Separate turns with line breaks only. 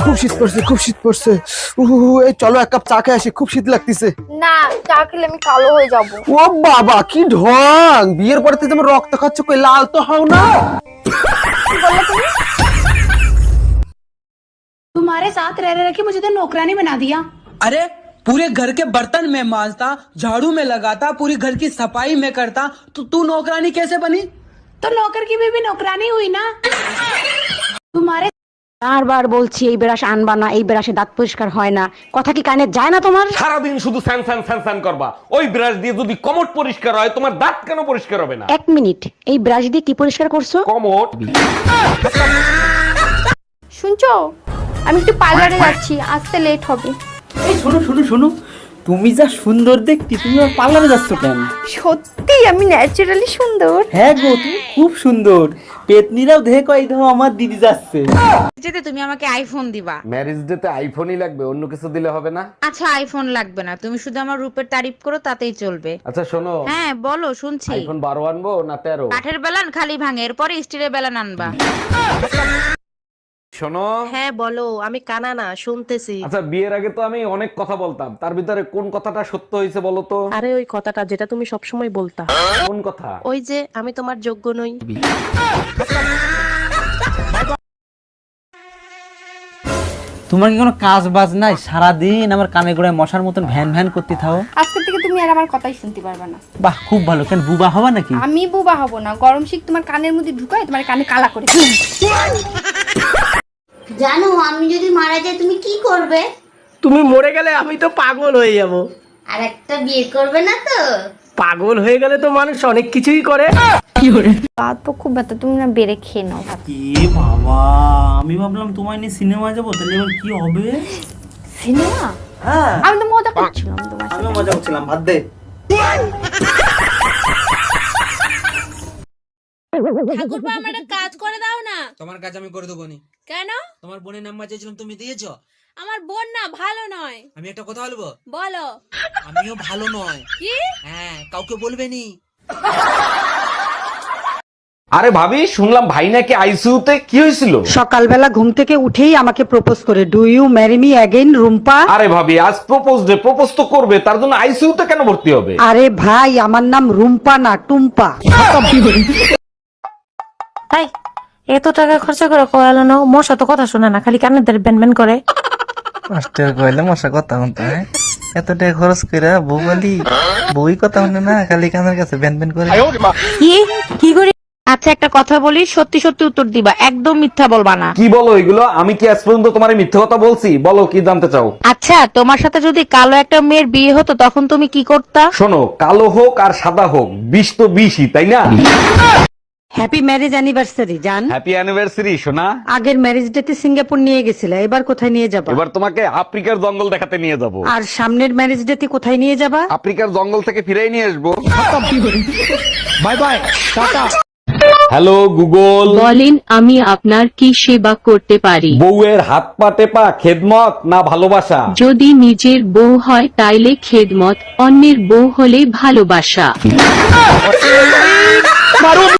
খুব শীত পড়ছে, খুব শীত পড়ছে। এই চলো এক কাপ চা খেয়ে আসি, খুব শীত লাগতেছে।
না, চা খেলে আমি কালো হয়ে যাব।
ও বাবা কি ঢং! বিয়ের পরে তুমি রক্ত খাচ্ছ, কই লাল তো হও না।
तुम्हारे साथ रह रहे कि मुझे तो नौकरानी बना दिया।
अरे पूरे घर के बर्तन में मांजता, झाड़ू में लगाता, पूरी घर की सफाई में करता, तो तू नौकरानी कैसे बनी?
तो नौकर की भी नौकरानी हुई ना। तुम्हारे
বারবার বলছি এই ব্রাশ আনবা না, এই ব্রাশে দাঁত পরিষ্কার হয় না, কথা কি কানে যায় না তোমার?
সারাদিন শুধু স্যান স্যান স্যান স্যান করবা। ওই ব্রাশ দিয়ে যদি কমোড পরিষ্কার হয়, তোমার দাঁত কেন পরিষ্কার হবে না?
এক মিনিট, এই ব্রাশ দিয়ে কি পরিষ্কার করছো?
কমোড।
শুনছো, আমি একটু পার্লারে যাচ্ছি, আসতে লেট হবে।
এই শোনো শোনো শোনো, তুমি যা সুন্দর দেখতে, তুমি আর পার্লারে যাচ্ছ কেন?
সত্যি আমি ন্যাচারালি সুন্দর।
হ্যাঁ গো, তুমি খুব সুন্দর। পেতনিরাও দেখে কয় দাও আমার দিদি যাচ্ছে।
যেতে তুমি আমাকে আইফোন দিবা।
ম্যারেজ ডে তে আইফোনই লাগবে, অন্য কিছু দিলে হবে না?
আচ্ছা আইফোন লাগবে না, তুমি শুধু আমার রূপের তারিফ করো তাতেই চলবে।
আচ্ছা শোনো,
হ্যাঁ বলো, শুনছি।
আইফোন 12 আনবো না 13?
কাঠের বেলান খালি ভাঙে, এরপরে স্টিলের বেলান আনবা।
শোনো,
হ্যাঁ বলো, আমি কানা না, শুনতেছি।
আচ্ছা বিয়ের আগে তো আমি অনেক কথা বলতাম, তার ভিতরে কোন কথাটা সত্য হয়েছে বলো তো?
আরে ওই কথাটা যেটা তুমি সবসময় বলতা।
কোন কথা?
ওই যে আমি তোমার যোগ্য নই।
তোমার কি কোনো কাজ বাজ নাই? সারাদিন আমার কানে গোড়ায় মশার মতন ভ্যান ভ্যান করতে থাও।
আজকে থেকে তুমি আর আমার কথাই শুনতে পারবে না।
বাহ, খুব ভালো। কেন বুবা হবা নাকি?
আমি বুবা হব না, গরম শীত তোমার কানের মধ্যে ঢুকায় তোমার কানে কালা করে।
জানো আমি যদি মারা যাই তুমি কি করবে?
তুমি মরে গেলে আমি তো পাগল হয়ে যাব।
আর একটা বিয়ে করবে না তো?
পাগল হয়ে গেলে তো মানুষ অনেক কিছুই করে।
পা তো খুব ব্যথা, তুমি না বেড়ে খেয়ে নাও।
এ বাবা, আমি ভাবলাম তোমায় নিয়ে সিনেমা যাবো, তাহলে এবার কি হবে?
সিনেমা?
হ্যাঁ,
আমি তো মজা করছিলাম তোমার সাথে।
আমিও মজা করছিলাম। ভাত দে।
ঠাকুরপো আমার একটা কাজ করে দাও না।
তোমার কাজ আমি করে দেবো নি।
কেন?
তোমার বোনের নাম্বার চেয়েছিলাম, তুমি দিয়েছো?
আমার বোন না ভালো নয়।
আমি একটা কথা বলবো?
বলো।
আমিও ভালো নয়।
কি?
হ্যাঁ, কাউকে বলবে নি।
আরে ভাবি, শুনলাম ভাই নাকি আইসিইউতে, কি হয়েছিল?
সকালবেলা ঘুম থেকে উঠেই আমাকে প্রপোজ করে, do you marry me again Rumpa?
আরে ভাবি, আজ প্রপোজ ডে, প্রপোজ তো করবে, তার জন্য আইসিইউতে কেন ভর্তি হবে?
আরে ভাই, আমার নাম রুম্পা না টুম্পা।
এত টাকা খরচা করে কয়ালানো, মশা তো কথা শোনে না, খালি কানে ধরে ব্যান ব্যান করে।
মাস্টার কইলে মশা কথা হতো। এত টাকা খরচ করে বউ বলি, বউই কথা শুনে না, খালি কানের কাছে ব্যান ব্যান করে।
কি কি করি? আচ্ছা একটা কথা বলি, সত্যি সত্যি উত্তর দিবা, একদম মিথ্যা বলবা না।
কি বলো এগুলো? আমি কি আজ পর্যন্ত তোমার মিথ্যে কথা বলছি? বলো কি জানতে চাও?
আচ্ছা তোমার সাথে যদি কালো একটা মেয়ের বিয়ে হতো তখন তুমি কি করতা?
শোনো, কালো হোক আর সাদা হোক, বিষ তো বিষই, তাই না?
হ্যাপি ম্যারেজ অ্যানিভার্সারি জান।
হ্যাপি অ্যানিভার্সারি সোনা।
আগের ম্যারেজ ডেতে সিঙ্গাপুর নিয়ে গেছিলে, এবার কোথায় নিয়ে যাবা?
এবার তোমাকে আফ্রিকার জঙ্গল দেখাতে নিয়ে যাব।
আর সামনের ম্যারেজ ডেতে কোথায় নিয়ে যাবা?
আফ্রিকার জঙ্গল থেকে ফিরেই নিয়ে আসবো।
Bye bye, tata.
Hello Google,
বলেন আমি আপনার কি সেবা করতে পারি?
বউয়ের হাত পা টেপা খেদমত না ভালোবাসা?
যদি নিজের বউ হয় তাইলে খেদমত, অন্যের বউ হলে ভালোবাসা।